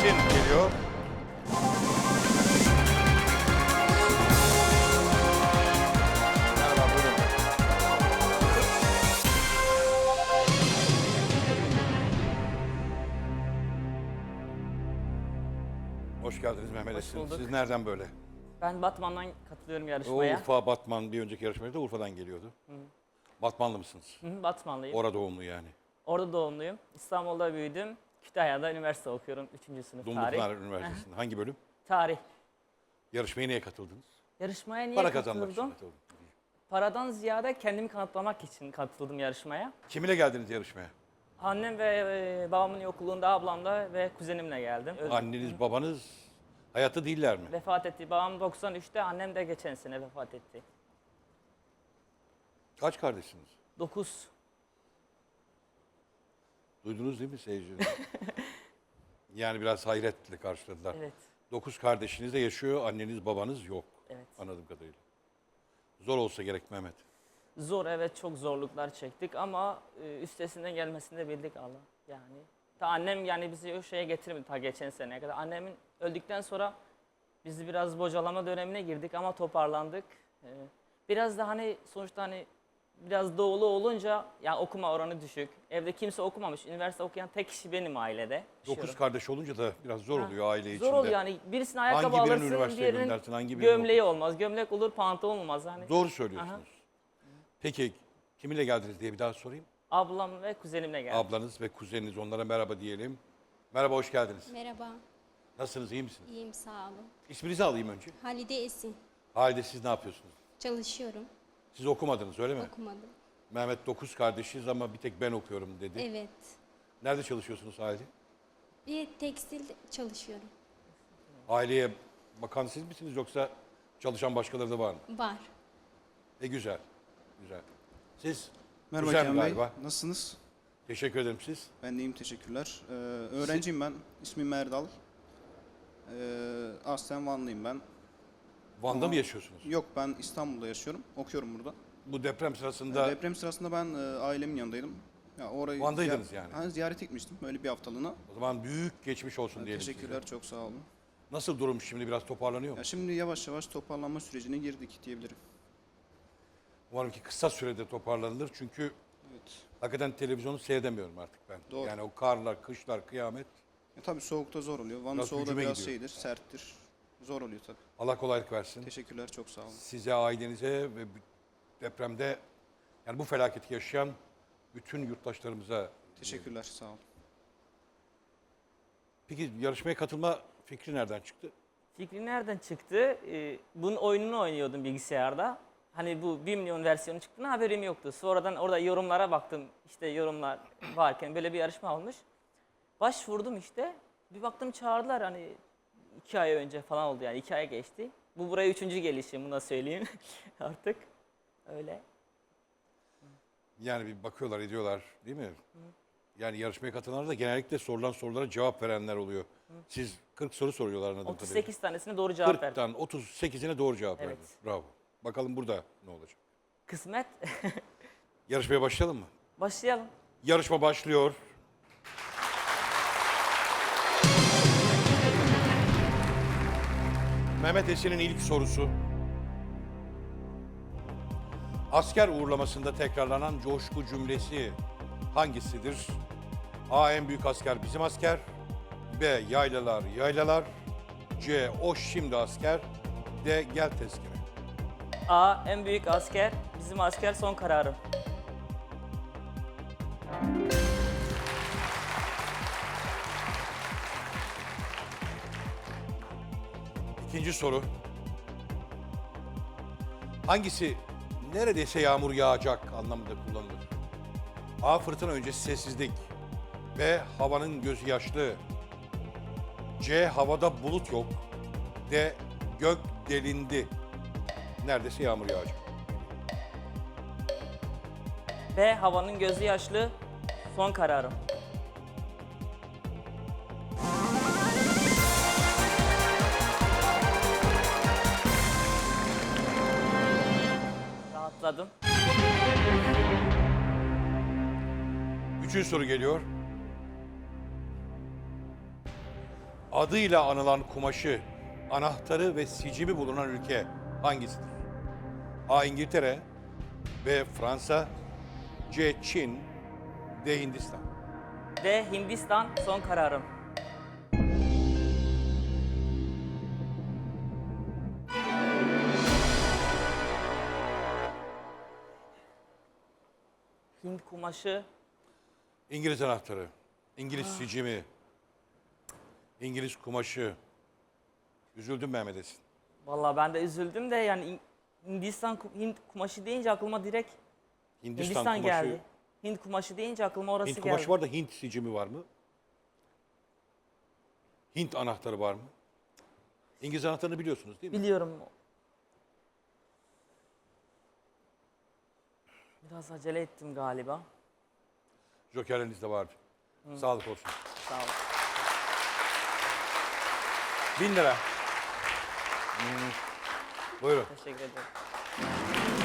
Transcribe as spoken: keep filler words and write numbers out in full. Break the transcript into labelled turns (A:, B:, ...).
A: Esin geliyor. Merhaba, buyurun. Hoş geldiniz Mehmet Esin.
B: bulduk.
A: Siz nereden böyle?
B: Ben Batman'dan katılıyorum
A: O
B: yarışmaya.
A: Urfa, Batman bir önceki yarışmada da Urfa'dan geliyordu. Hı. Batmanlı mısınız?
B: Hı hı, Batmanlıyım.
A: Orada doğumlu yani.
B: Orada doğumluyum. İstanbul'da büyüdüm. Kütahya'da üniversite okuyorum. Üçüncü sınıf tarih.
A: Dumlupınar Üniversitesi'nde. Hangi bölüm?
B: Tarih.
A: Yarışmaya niye katıldınız?
B: Yarışmaya niye
A: Para kazanmak için
B: katıldım?
A: katıldım.
B: Paradan ziyade kendimi kanıtlamak için katıldım yarışmaya.
A: Kiminle geldiniz yarışmaya?
B: Annem ve e, babamın yokluğunda ablamla ve kuzenimle geldim. Ö-
A: Anneniz, babanız hayatta değiller mi?
B: Vefat etti. Babam doksan üçte, annem de geçen sene vefat etti.
A: Kaç kardeşsiniz?
B: dokuz.
A: Duydunuz değil mi seyirciler? Yani biraz hayretle karşıladılar.
B: Evet.
A: Dokuz kardeşiniz de yaşıyor, anneniz babanız yok.
B: Evet.
A: Anladığım kadarıyla. Zor olsa gerek Mehmet.
B: Zor, evet, çok zorluklar çektik ama e, üstesinden gelmesini de bildik Allah. Yani ta annem yani bizi o şeye getirmedi ta geçen seneye kadar. Annemin öldükten sonra biz biraz bocalama dönemine girdik ama toparlandık. E, biraz da hani sonuçta hani biraz doğulu olunca yani okuma oranı düşük. Evde kimse okumamış. Üniversite okuyan tek kişi benim ailede.
A: Dokuz
B: Yaşıyorum.
A: kardeş olunca da biraz zor
B: Ha,
A: oluyor aile içinde.
B: Zor oluyor yani birisine ayakkabı
A: Hangi birini
B: alırsın,
A: üniversiteye
B: diğerinin
A: göndersin, hangi birini
B: gömleği olmaz. Gömlek olur, pantolon olmaz. Hani
A: Doğru söylüyorsunuz.
B: Aha.
A: Peki kiminle geldiniz diye bir daha sorayım.
B: ablam ve kuzenimle geldim.
A: Ablanız ve kuzeniniz, onlara merhaba diyelim. Merhaba, hoş geldiniz.
C: Merhaba,
A: Nasılsınız, iyi misiniz?
C: iyiyim sağ olun.
A: İsminizi alayım önce.
C: Halide Esin,
A: Halide, siz ne yapıyorsunuz?
C: çalışıyorum,
A: Siz okumadınız öyle mi?
C: okumadım.
A: Mehmet dokuz kardeşiz ama bir tek ben okuyorum dedi.
C: Evet,
A: Nerede çalışıyorsunuz Halide?
C: bir tekstil çalışıyorum.
A: Aileye bakan siz misiniz yoksa çalışan başkaları da var mı?
C: Var.
A: E güzel, güzel. Siz?
D: Merhaba
A: Güzel
D: Kenan Bey,
A: galiba.
D: nasılsınız?
A: Teşekkür ederim siz.
D: Ben de iyiyim, teşekkürler. Ee, öğrenciyim ben, ismim Erdal. Ee, aslen Vanlıyım ben.
A: Van'da
D: Ama-
A: mı yaşıyorsunuz?
D: Yok, ben İstanbul'da yaşıyorum, okuyorum burada.
A: Bu deprem sırasında
D: Deprem sırasında ben e, ailemin yanındaydım. Ya orayı
A: Van'daydınız
D: ziy-
A: yani.
D: Ha, ziyaret etmiştim, böyle bir haftalığına.
A: o zaman büyük geçmiş olsun diyelim
D: Teşekkürler,
A: size.
D: çok sağ olun.
A: Nasıl durum şimdi, biraz toparlanıyor mu?
D: Ya şimdi yavaş yavaş toparlanma sürecine girdik diyebilirim.
A: Umarım ki kısa sürede toparlanılır çünkü
D: Evet.
A: hakikaten televizyonu seyredemiyorum artık ben.
D: Doğru.
A: Yani o karlar, kışlar, kıyamet.
D: Ya, tabii soğukta zor oluyor. Van'ın
A: Biraz
D: soğuğu da
A: hücuma
D: biraz
A: gidiyor.
D: şeydir, serttir. Zor oluyor tabii.
A: Allah kolaylık versin.
D: Teşekkürler, çok sağ olun.
A: Size, ailenize ve depremde yani bu felaketi yaşayan bütün yurttaşlarımıza.
D: Teşekkürler, sağ olun.
A: Peki yarışmaya katılma fikri nereden çıktı?
B: Fikri nereden çıktı? Ee, bunun oyununu oynuyordum bilgisayarda. Hani bu bir milyon versiyonu çıktığına haberim yoktu. Sonradan orada yorumlara baktım. İşte yorumlar varken böyle bir yarışma olmuş. Başvurdum işte. Bir baktım çağırdılar hani iki ay önce falan oldu yani iki ay geçti. Bu buraya üçüncü gelişim, bunu da söyleyeyim artık. Öyle.
A: Yani bir bakıyorlar, ediyorlar değil mi? Yani yarışmaya katılanlar da genellikle sorulan sorulara cevap verenler oluyor. Siz kırk soru soruyorlar anladığım
B: otuz
A: kadarıyla.
B: sekiz tanesine doğru cevap verdim.
A: kırktan otuz sekizine doğru cevap
B: Evet.
A: verdiniz. Bravo. Bakalım burada ne olacak?
B: Kısmet.
A: Yarışmaya başlayalım mı?
B: Başlayalım.
A: Yarışma başlıyor. Mehmet Esin'in ilk sorusu. Asker uğurlamasında tekrarlanan coşku cümlesi hangisidir? A. En büyük asker bizim asker. B. Yaylalar yaylalar. C. O şimdi asker. D. Gel tezkere.
B: A. En büyük asker. Bizim asker son kararım.
A: İkinci soru. Hangisi neredeyse yağmur yağacak anlamında kullanılır? A. Fırtına öncesi sessizlik. B. Havanın gözü yaşlı. C. Havada bulut yok. D. Gök delindi. Neredeyse yağmur yağacak.
B: B. Havanın gözü yaşlı. Son kararım. Rahatladım.
A: Üçüncü soru geliyor. adıyla anılan kumaşı, anahtarı ve sicimi bulunan ülke hangisidir? A. İngiltere, B. Fransa, C. Çin, D. Hindistan.
B: D. Hindistan son kararım. Hint kumaşı.
A: İngiliz anahtarı, İngiliz sicimi, İngiliz kumaşı. Üzüldüm Mehmet Esin.
B: Vallahi ben de üzüldüm de yani İng- Hindistan ku- Hint kumaşı deyince aklıma direkt
A: Hindistan,
B: Hindistan,
A: kumaşı,
B: geldi. Hint kumaşı deyince aklıma orası
A: Hint
B: geldi.
A: kumaşı var da Hint sicimi var mı? Hint anahtarı var mı? İngiliz anahtarını biliyorsunuz değil mi?
B: Biliyorum. Biraz acele ettim galiba.
A: Jokerleriniz de vardı. Sağlık olsun.
B: Sağ ol.
A: Bin lira. Hmm. Buyurun.
B: Teşekkür ederim.